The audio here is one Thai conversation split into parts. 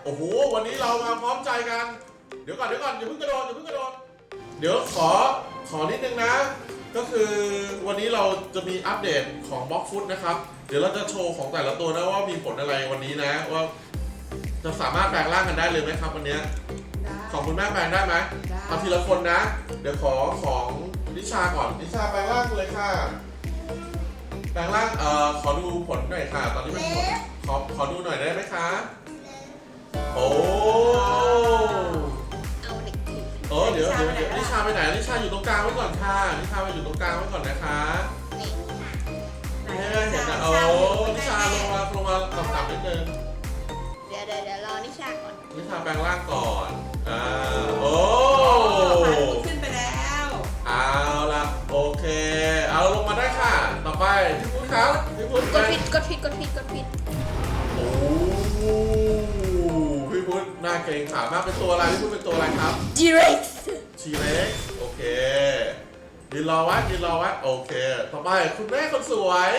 โอ้โหวันนี้เรามาพร้อมใจกันเดี๋ยวก่อนอย่าเพิ่งกระโดดเดี๋ยวขอนิดนึงนะก็คือวันนี้เราจะมีอัปเดตของบล็อกฟุตนะครับเดี๋ยวเราจะโชว์ของแต่ละตัวนะว่ามีผลอะไรวันนี้นะว่าจะสามารถแปลงร่างกันได้เลยไหมครับวันนี้ของคุณแม่แปลงได้ไหมเอาทีละคนนะเดี๋ยวขอของนิชาก่อนนิชาแปลงร่างเลยค่ะแปลงร่างขอดูผลหน่อยค่ะตอนนี้เป็นผลขอดูหน่อยได้ไหมคะโอ้เดี๋ยวนิชาไปไหนนิชาอยู่ตรงกลางไว้ก่อนค่ะนิชามาอยู่ตรงกลางไว้ก่อนนะคะเห็นนะโอ้นิชาลงมาต่ำๆนิดนึงเดี๋ยวรอนิชาก่อนนิชาแปลงร่างก่อนโอ้ขึ้นไปแล้วเอาละโอเคเอาลงมาได้ค่ะต่อไปพี่พุทธครับพี่พุทธกดผิดโอ้พี่พุทธน่าเกรงขามากเป็นตัวอะไรพี่พุทธเป็นตัวอะไรครับ T-Rex ทีเล็กโอเคยืนรอไว้โอเคต่อไปคุณแม่คนสวย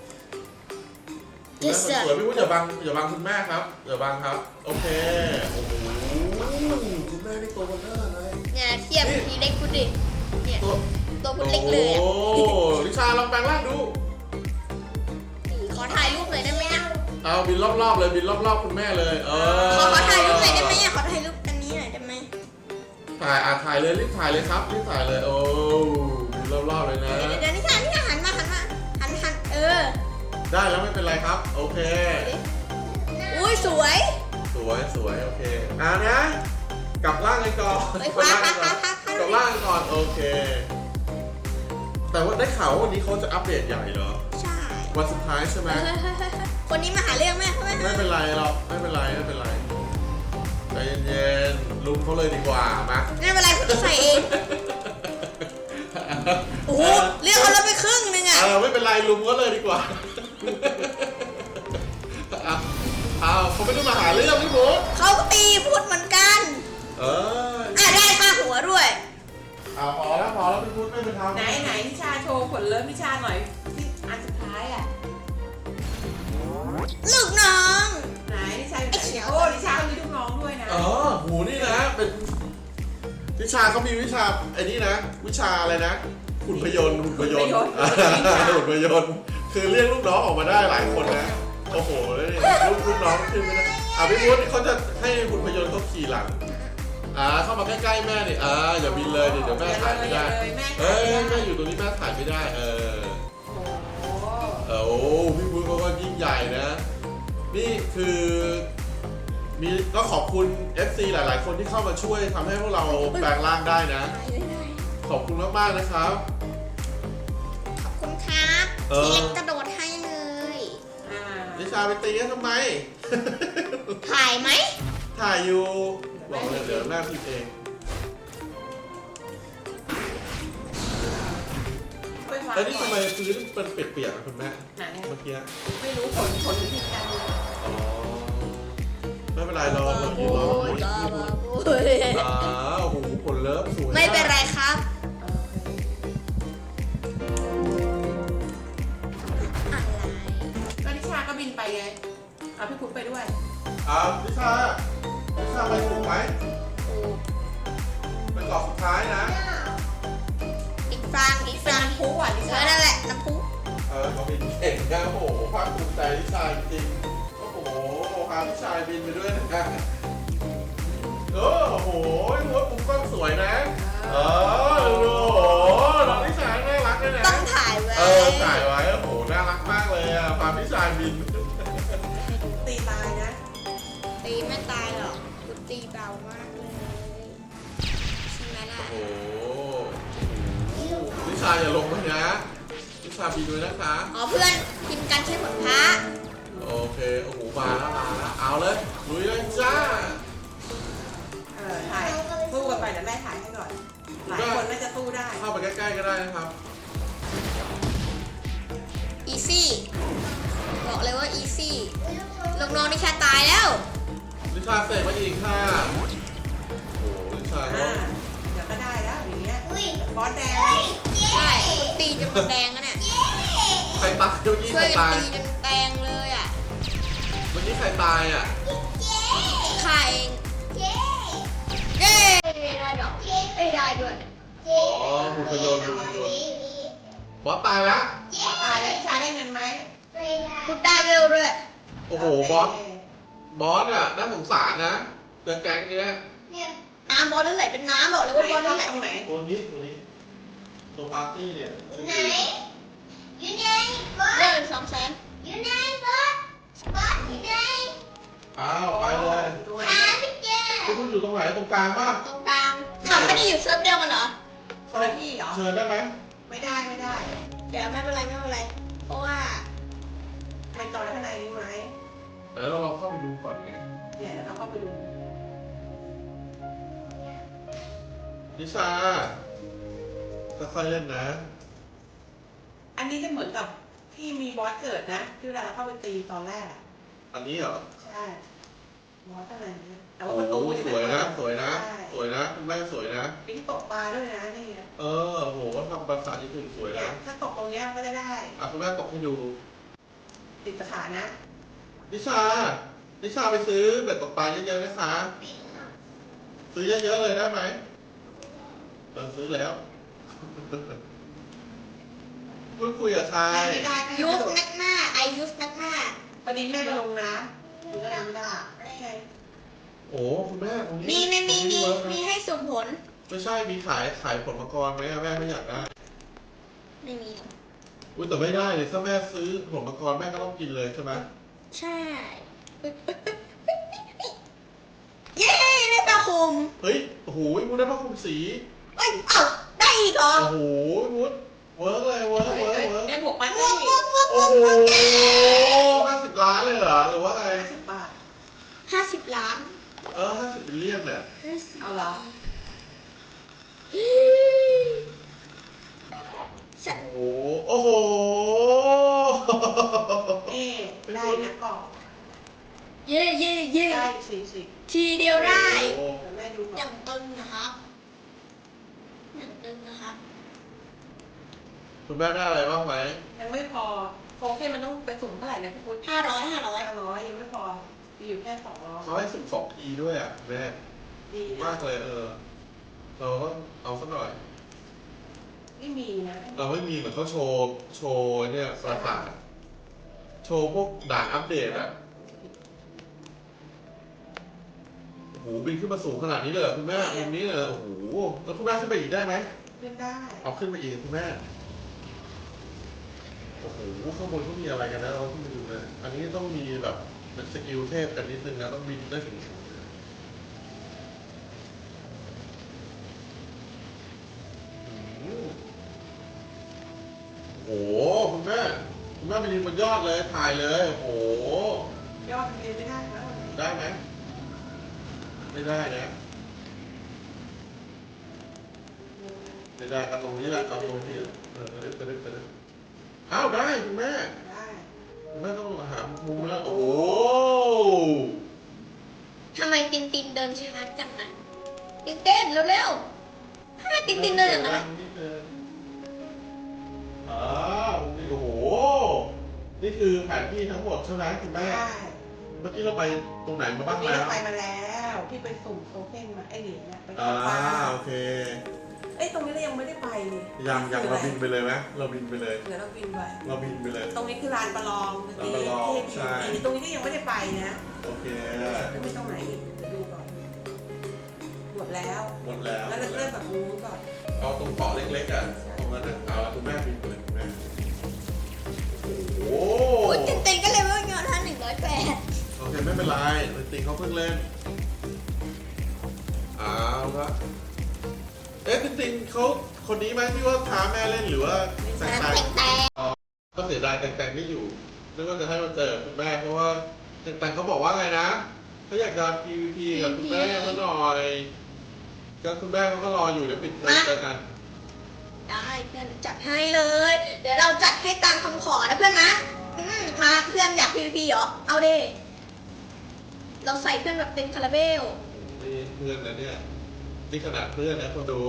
คุณแม่คนสวยพี่พุทธอย่าบังคุณแม่ครับอย่าบังครับโอเคโอ้โหคุณแม่นี่ตัวเบลอเลยเนี่ยเทียบทีเล็กคุณดิเนี่ยตัวคุณเล็กเลยโอ้ลิชาลองแปลงร่างดูขอถ่ายรูปหน่อยได้ไหมอ่ะเอาบินรอบๆเลยบินรอบๆคุณแม่เลยขอถ่ายรูปหน่อยได้ไหมอ่ะขอถ่ายรูปอันนี้หน่อยได้ไหมถ่ายเลยรีบถ่ายเลยครับรีบถ่ายเลยโอ้บินรอบๆเลยนะเดี๋ยวนิชาหันได้แล้วไม่เป็นไรครับโอเคอุ้ยสวยโอเคนะกลับร่างกันก่อนกลับร่างกันก่อนโอเคแต่ว่าได้ข่าวว่าวันนี้เขาจะอัปเดตใหญ่เหรอใช่วันสุดท้ายใช่ไหมคนนี้มาหาเรื่องแม่ไม่เป็นไรหรอกไม่เป็นไรใจเย็นๆลุมเขาเลยดีกว่ามาไม่เป็นไรคุณจะใส่เองโอ้โหเรียกเขาแล้วไปครึ่งนึงอ่ะไม่เป็นไรลุมก็เลยดีกว่าเขาไม่ได้มาหาเรื่องพี่บุ๊คเขาก็ตีพูดเหมือนกันได้ค่าหัวด้วยพอแล้วพี่บุ๊คไม่เป็นทางไหนนิชาโชว์ผลเลิฟนิชาหน่อยที่อันสุดท้ายอ่ะลูกน้องไหนนิชาโอ้นิชามีลูกน้องด้วยนะหูนี่นะเป็นวิชาเขามีวิชาไอ้นี่นะวิชาอะไรนะหุ่นพยนต์คือเรียกลูกน้องออกมาได้หลายคนนะโอ้โหแล้วนี่ลูกน้องขึ้นไม่ได้พี่พุทธเขาจะให้หุ่นพยนต์เขาขี่หลังเข้ามาใกล้ๆแม่ดิอย่าบินเลยเดี๋ยวแม่ถ่ายไม่ได้แม่อยู่ตรงนี้แม่ถ่ายไม่ได้โอ้พี่พุทธเขาก็ยิ่งใหญ่นะนี่คือก็ขอบคุณ FC หลายๆคนที่เข้ามาช่วยทำให้พวกเราแปลงร่างได้นะขอบคุณมากๆนะครับขอบคุณครับที่เล็กกระโดดให้เลยนิชาไปตีกันทำไมถ่ายไหมถ่ายอยู่บอกเลยเดี๋ยวแม่พิมพ์เองแล้วนี่ทำไมพื้นเป็นเปียกๆคุณแม่เมื่อกี้ไม่รู้ผลอยู่ที่กันไม่เป็นไรรอโอ้โหผลเลิฟสวยไม่เป็นไรครับก็นิชาก็บินไปไงพี่พุทธไปด้วยนิชาไปถูกไหมเป็นกรอบสุดท้ายนะอีกฟังพุทธนิชานั่นแหละน้ำพุก็บินเก่งนะโอ้โหภาคภูมิใจนิชาจริงโอ้โหพานิชาบินไปด้วยนะโอ้โหหัวปุ๊บก็สวยนะโอ้โหน้องนิชาน่ารักเลยนะต้องถ่ายไว้โอ้โหน่ารักมากเลยพานิชาบินตีตายนะตีไม่ตายหรอกคุณตีเบามากเลยใช่ไหมล่ะโอ้โหนิชาอย่าลงไปนะนิชาบินด้วยนะคะเพื่อนพิมพ์กันใช้ผลพระโอเคโอ้โหมาแล้วเอาเลยลุยเลยจ้าถ่ายสู้กันไปเดี๋ยวแม่ถ่ายให้ก่อนหลายคนน่าจะสู้ได้เข้าไปใกล้ๆก็ได้นะครับอีซี่บอกเลยว่าอีซี่ลูกน้องนิชาตายแล้วนิชาเสกมาอีกค่ะโอ้นิชาเดี๋ยวก็ได้แล้วอย่างเงี้ยบอสแดงใช่คุณตีจนแดงแล้วเนี่ยใครตายเมื่อกี้ช่วยใครตายตีจนแดงเลยเมื่อกี้ใครตายฆ่าเองเย้ได้ดอกไม่ได้ด้วยอ๋อหุ่นพยนต์บอสตายแล้วตายแล้วชาได้เงินไหมคุณได้เร็วด้วยโอ้โหบอสอ่ะน่าสงสารนะเดินแก๊งเนี้ยน้ำบอลนั่นแหละเป็นน้ำบอกเลยว่าบอลนั่นแหละตรงไหนตัวนี้ตัวปาร์ตี้เนี่ยเริ่ม200,000 อ้าวไปเลยตัวไหนคุณอยู่ตรงไหนตรงกลางป่ะตรงกลางเราไม่ได้อยู่เซิร์ฟเดียวกันเหรอคนละที่เหรอเชิญได้ไหมไม่ได้เดี๋ยวไม่เป็นไรเพราะว่าไปต่อข้างในนี้ไหมเดี๋ยวเราเข้าไปดูก่อนไงเนี่ยเราเข้าไปดูนิชาค่อยๆเล่นนะอันนี้จะเหมือนกับที่มีบอสเกิดนะที่เวลาเราเข้าไปตีตอนแรกอะอันนี้เหรอใช่บอสอะไรเนี่ยแต่โอ้ว่าประตูโหเนี่สวยนะใช่สวยนะคุณแม่สวยนะปิ้งตกปลาด้วยนะนี่เออโหทำภาษาญี่ปุ่นสวยเนี่ยนะถ้าตกตรงเนี้ยก็จะได้อ่ะคุณแม่ตกให้ดูติดสถานะนิชาไปซื้อเบ็ดตกปลาเยอะๆนะคะซื้อเยอะๆเลยได้ไหมซื้อแล้วพูดคุยกับใครไม่ได้ยุสนักหน้ายุสนักหน้าพอดีแม่ไปลงน้ำมันก็เลยไม่ได้ไม่ไงโอ้คุณแม่ตรงนี้มีตรงนี้เวิร์กนะมีให้สุ่มผลไม่ใช่มีขายผลมังกรไหมอะแม่ไม่อยากได้ไม่มีอุ้ยแต่ไม่ได้เลยถ้าแม่ซื้อผลมังกรแม่ก็ต้องกินเลยใช่ไหมใช่ เย้ได้ปลาคมเฮ้ยโอ้โหมุดได้ผ้าคลุมสีเอ้ยเอ้าได้อีกเหรอโอ้โหมุดเวิร์กเลยเวิร์กได้บวกมันวได้กวกวกโอ้โห50 ล้านเลยเหรอหรือว่าไง 10 บาท 50 ล้าน 50เป็นเรียกเนี่ยเอาเหรอฉันโอ้โหเอ๊ได้นะกล่องเย่ได้40 ทีเดียวได้โอ้เดี๋ยวแม่ดูก่ออนย่างตึงนะครับอย่างตึงนะครับคุณแม่ได้อะไรบ้างไหมยังไม่พอโคเคนมันต้องไปสุ่มเท่าไหร่นะพี่พุทธ 500 500ยังไม่พอมีอยู่แค่200 เขาให้12 ทีด้วยอ่ะแม่ดีมากเลยเราก็เอาสักหน่อยไม่มีนะเราไม่มีเหมือนเขาโชว์เนี่ยปราสาทโชว์พวกด่านอัปเดตอ่ะโอ้โหบินขึ้นมาสูงขนาดนี้เลยเหรอคุณแม่มุมนี้เลยเหรอโอ้โหแล้วคุณแม่ขึ้นไปอีกได้ไหมเล่นได้เอาขึ้นไปอีกคุณแม่โอ้โหข้างบนเขามีอะไรกันนะเราขึ้นไปดูเลยอันนี้ต้องมีแบบเป็นสกิลเทพกันนิดนึงนะต้องบินได้ถึงสูงเลยอืมโอ้โหคุณแม่ไปยืนบนยอดเลยถ่ายเลยโอ้โหยอดมันเรียนไม่ได้แล้วได้ไหมไม่ได้นะไม่ได้เอาตรงนี้แหละเอาตรงนี้ไปเลยอ้าวได้คุณแม่ได้คุณแม่ต้องหามุมแล้วโอ้โหทำไมตินเดินช้าจังนะตินเต้นเร็วๆทำไมตินเดินอย่างนั้นอ้าวนี่โอ้โหนี่คือแผนที่ทั้งหมดใช่ไหมคุณแม่ได้เมื่อกี้เราไปตรงไหนมาบ้างพี่แล้วไปมาแล้วพี่ไปสุ่มโคเคนมาไอ้เหรียญเนี่ยไปอ่าตกปลาโอเคเอ้ยตรงนี้เรายังไม่ได้ไปนี่ยังเราบินไปเลยไหมเราบินไปเลยเดี๋ยวเราบินไปเราบินไปเลยตรงนี้คือลานประลองลานประลองใช่ตรงนี้ก็ยังไม่ได้ไปนะโอเคแล้วไม่ตรงไหนอีกเดี๋ยวดูก่อนหมดแล้วหมดแล้วแล้วเราเริ่มแบบนู้นก่อนเอาตรงเกาะเล็กๆอ่ะตรงนั้นอ่ะเอาละคุณแม่บินไปเลยคุณแม่โอ้โหโอ้ยตินก็เลยว่าเงิน108 โอเคไม่เป็นไรจริงเขาเพิ่งเล่นเอาละเอ๊ะจริงๆเขาคนนี้ไหมที่ว่าท้าแม่เล่นหรือว่าแตงแต่ก็เสียดายแตงไม่อยู่นึกว่าจะให้มาเจอคุณแม่เพราะว่าแตงเขาบอกว่าไงนะเขาอยากจะ PVP กับคุณแม่เขาหน่อยก็คุณแม่เขาก็รออยู่เดี๋ยวปิดเจอกันได้เพื่อนจัดให้เลย เดี๋ยวเราจัดให้ตามคำขอนะเพื่อนนะมาเพื่อนอยาก PVP เหรอ เอาดิ เราใส่เพื่อนแบบเป็นคาราเบลนี่เพื่อนนะเนี่ยนี่ขนาดเพื่อนนะคนดู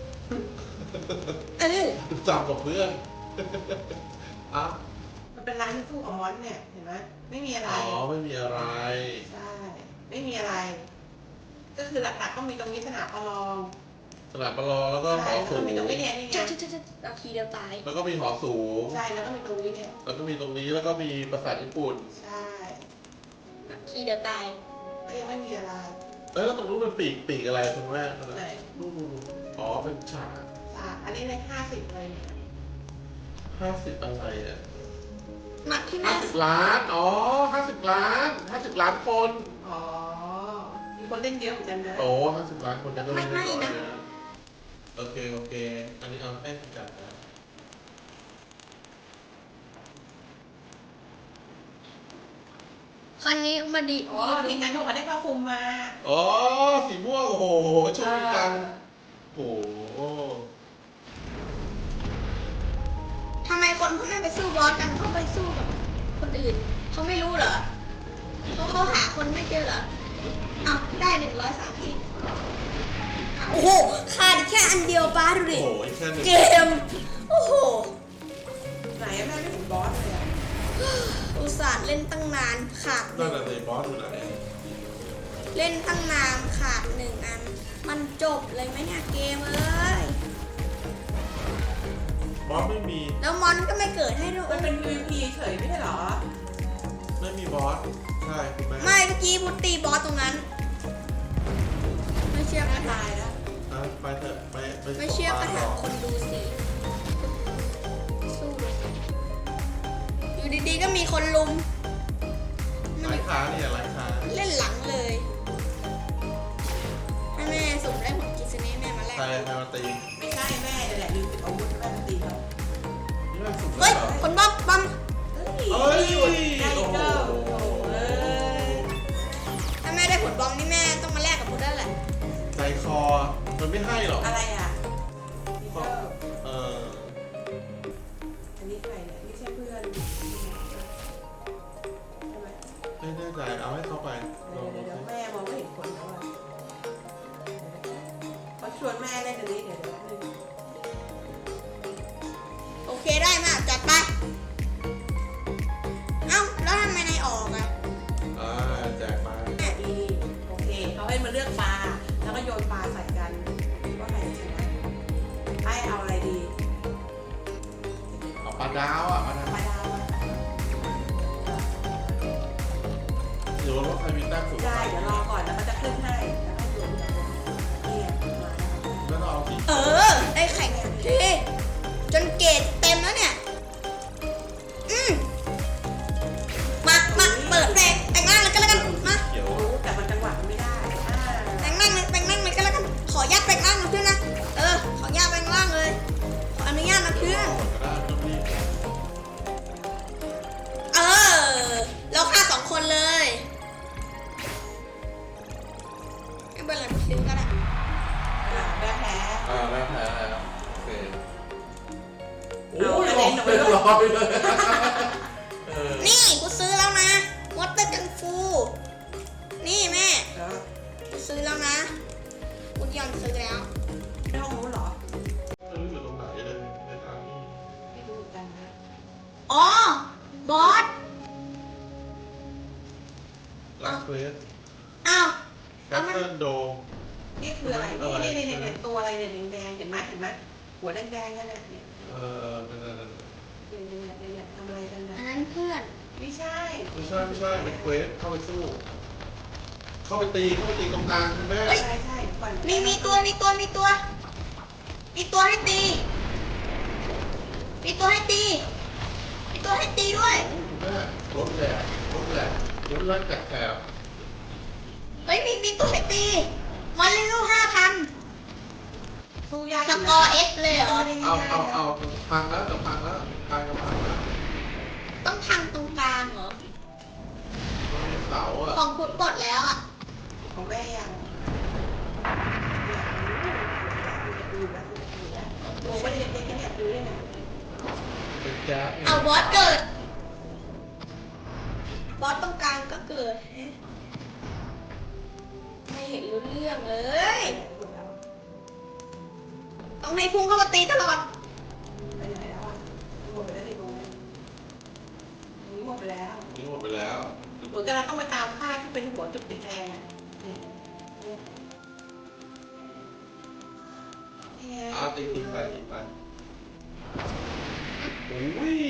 จำกับเพื่อนอ้าวมันเป็นร้านที่สู้กับมอนเนี่ยเห็นไหมไม่มีอะไรอ๋อไม่มีอะไรใช่ เไม่มีอะไร ก็คือหลักๆก็มีตรงนี้สนามประลองสนามประลองแล้วก็หใช่อแล้วสูก็งมีตรงนี้เนี่ยนี่ไงเอาทีเดียวตายแล้วก็มีหอสูงใช่แล้วก็มีตรงนี้เนี่ยแล้วก็มีตรงนี้แล้วก็มีปราสาทญี่ปุ่นใช่ทีเดียวตายก็ยังไม่มีอะไรแล้วตรงนู้นเป็นปีกอะไรคุณแม่ไหนนู่นอ๋อเป็นฉากอันนี้ใน50เลยเนี่ย 50อะไรอ่ะหนักที่แม่ 50 ล้าน อ๋อ 50 ล้าน 50 ล้านคนอ๋อ มีคนเล่นเยอะเหมือนกันนะโอ้50 ล้านคนจะก็ไม่ได้น้อยนะโอเค อันนี้เอาแป้งจัดนะครั้งนี้มาดีอ๋อทีมงานเขาได้ผ้าคลุมมาอ๋อ สีม่วง โอ้โหโชคดีจังโอ้โหทำไมคนเขาไม่ไปสู้บอสกันเขาไปสู้กับคนอื่นเขาไม่รู้เหรอเขาหาคนไม่เจอเหรอเอาได้130โอ้โหขาดแค่อันเดียวป้าดูโอ้ดิโหอีกแค่หนึ่งเกมโอ้โหไหนแม่ไม่ถึงบอสเลยอะอุตส่าห์เล่นตั้งนานขาดนั่นแหละสิบอสอยู่ไหนเล่นตั้งนานขาด1 อัน มันจบเลยไหมเนี่ยเกมเอ้ยบอสไม่มีแล้วมอนก็ไม่เกิดให้ด้วยมันเป็น PVP เฉยไม่ใช่เหรอไม่มีบอส ใช่คุณแม่ไม่เมื่อกี้พุตตีบอสตรงนั้น ไม่เชื่อแม่ก็ถาตายแล้วนะไปเถอะไปไม่เชื่อก็ถามคนดูสิสู้เลยอยู่ดีๆก็มีคนลุมไร้ค้าเนี่ยไร้ค้าเล่นหลังเลยให้แม่ส่งได้ผลกิจเนแม่มาแลกใครมาตีไม่ใช่แม่แต่แหละลืมติดอาวุธแม่มาตีเรานี่แม่สุดเลเฮ้ยยเหรอคนบ้อมบ้อมเฮ้ยเอ้ยได้โอ้โหเกิลโอ้โหเอ้ยถ้าแม่ได้ผลบอมนี่แม่ต้องมาแลกกับพุทธแล้วแหละใจคอ มันไม่ให้หรอกอะไรอ่ะมีเกิลเอออันนี้ใครเนี่ยไม่ใช่เพื่อนใช่ไหมไม่แน่ใจเอาให้เข้าไปลองดูเดี๋ยวสิแม่มองไม่เห็นคนแล้วอ่ะเขาชวนแม่เล่นอันนี้เดี๋ยวนึงโอเคได้มาจัดไป เอ้าแล้วทำไมนายออกอ่ะอ่าแจกมาดีโอเคเขาให้มาเลือกปลาแล้วก็โยนปลาใส่กันว่าใครจะชนะให้เอาอะไรดีเอาปลาดาวอ่ะปลาดาวปลาดาวอะหรือว่าใครมีแต้มสูงได้เดี๋ยวรอก่อนแล้วก็จะขึ้นให้แล้วก็โยนจากบนเนี่ยมาแล้วแล้วเราเอาสีเออ ได้แข่งทีจนเกรดเต็มแล้วเนี่ย มาเปิดแต่งร่างเลยก็แล้วกัน มาเขียวรู้แต่มันจังหวะมันไม่ได้อ่าแต่งร่างเลยก็แล้วกัน ขออนุญาตแต่งร่างนะเพื่อนนะ ขออนุญาตแต่งร่างเลย ขออนุญาตนะเพื่อนก็ได้ต้องรีบเราฆ่า2 คนเลยไม่เป็นไรซื้อก็ได้แพ้แพ้แล้วแพ้แล้วโอเคโอ้เอายอันหลนี้อกหนูเรียบร้อยเลยเออนี่กูซื้อแล้วนะวอเตอร์กังฟู นี่แม่แล้วกูซื้อแล้วนะกูยอนซื้อแล้วในห้องนู้นเหรอไม่รู้อยู่ตรงไหนเลยในทางนี้ไม่รู้เหมือนกันนะอ๋อ บอสลาเควสอ้าวแคสเซิลโดนี่คืออะไรนี่ตัวอะไรเนี่ยแดงๆเห็นไหมหัวแดงๆนั่นแหละเนี่ยนั่นเนี่ยทำอะไรกันนะอันนั้นเพื่อนไม่ใช่ไม่ใช่เป็นเควสเข้าไปสู้ เข้าไปตีตรงกลางคุณแม่ใช่ใช่ก่อนมีตัวให้ตี มีตัวให้ตีด้วยคุณแม่รถแหลกรถแรกแตกเฮ้ยมีตัวให้ตีวันเร็ว5,000 สู้ยากสกอร์เอสเลยเหรอเอาพังแล้วพังแล้วต้องทางตรงกลางเหรอเสาอ่ะของพุทธปลดแล้วอ่ะของแม่ยังโอ้ไม่ได้เด็กๆเนี่ยดูได้ไงเป็นแก๊สเอาบอสเกิด บอสตรงกลางก็เกิด ไม่เห็นรู้เรื่องเลย ต้องให้พุ่งเข้ามาตีตลอดไปไหนแล้วอ่ะหมดไปแล้วในตรงนี้หมดไปแล้วนี่หมดไปแล้วอเหมือนกันเราต้องไปตามค่ายที่เป็นหัวจุดติดแดงอะนี่นี่ไงเอาตีไปโอ้ย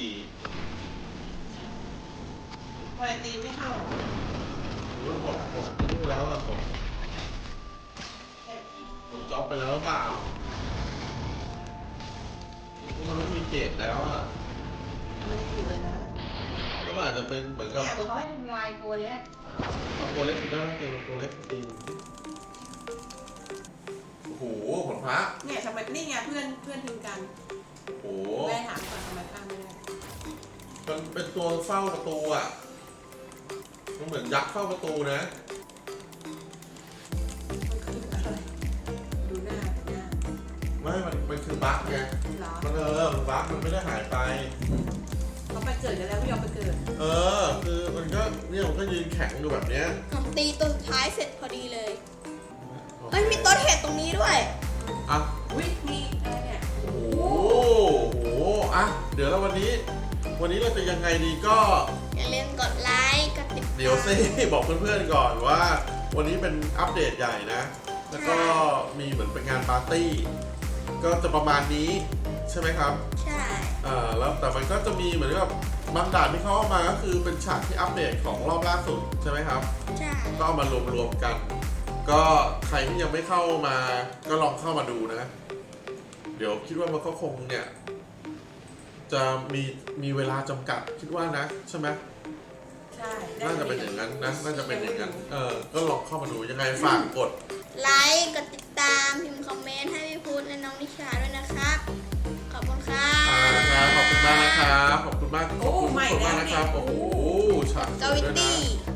ทำไมตีไม่เข้าหมดนี่แล้วอะผมจ็อบไปแล้วหรือเปล่ามันไม่มีเกตแล้วอะไม่ได้อยู่เลยนะก็อาจจะเป็นเหมือนกับแต่เขาให้ทำลายตัวเนี้ยตัวเล็กได้เกมตัวเล็กตีโอ้โหผลพระเนี่ยทำไมนี่ไงเพื่อนทิ้งกันโอ้โหแม่ถามก่อนทำไมข้ามไม่ได้มันเป็นตัวเฝ้าประตูอ่ะมันเหมือนยักษ์เฝ้าประตูนะมันคืออะไรดูหน้าไม่มันคือบั๊กไงเหรอมันบั๊กมันไม่ได้หายไปเขาไปเกิดกันแล้วไม่ยอมไปเกิดคือมันก็เนี่ยมันก็ยืนแข็งอยู่แบบเนี้ยผมตีตัวสุดท้ายเสร็จพอดีเลย เฮ้ยมีต้นเห็ดตรงนี้ด้วยอ่ะอุ้ยมีอะไรเนี่ยโอ้โหอ่ะเดี๋ยวแล้ววันนี้เราจะยังไงดีก็อย่าลืมกดไลค์กดติดตามเดี๋ยวซิบอกเพื่อนๆก่อนว่า วันนี้เป็นอัปเดตใหญ่นะ แล้วก็มีเหมือนเป็นงานปาร์ตี้ ก็จะประมาณนี้ใช่ไหมครับใช่แล้วแต่มันก็จะมีเหมือนกับบางด่านที่เขาเอามาก็คือเป็นฉากที่อัปเดตของรอบล่าสุดใช่ไหมครับใช่ก็เอามารวมๆกัน ก็ใครที่ยังไม่เข้ามาก็ลองเข้ามาดูนะ เดี๋ยวคิดว่ามันก็คงเนี่ยจะมีเวลาจำกัดคิดว่านะใช่ไหมใช่น่าจะเป็นอย่างนั้นนะน่าจะเป็นอย่างนั้นก็ลองเข้ามาดูยังไงฝากกดไลค์กดติดตามพิมพ์คอมเมนต์ให้พี่พุทธและน้องนิชาด้วยนะครับ ขอบคุณครับครับขอบคุณมากนะครับขอบคุณมากขอบคุณทุกคนมากนะครับโอ้โหฉากสกาวยวิด้วยนะตี้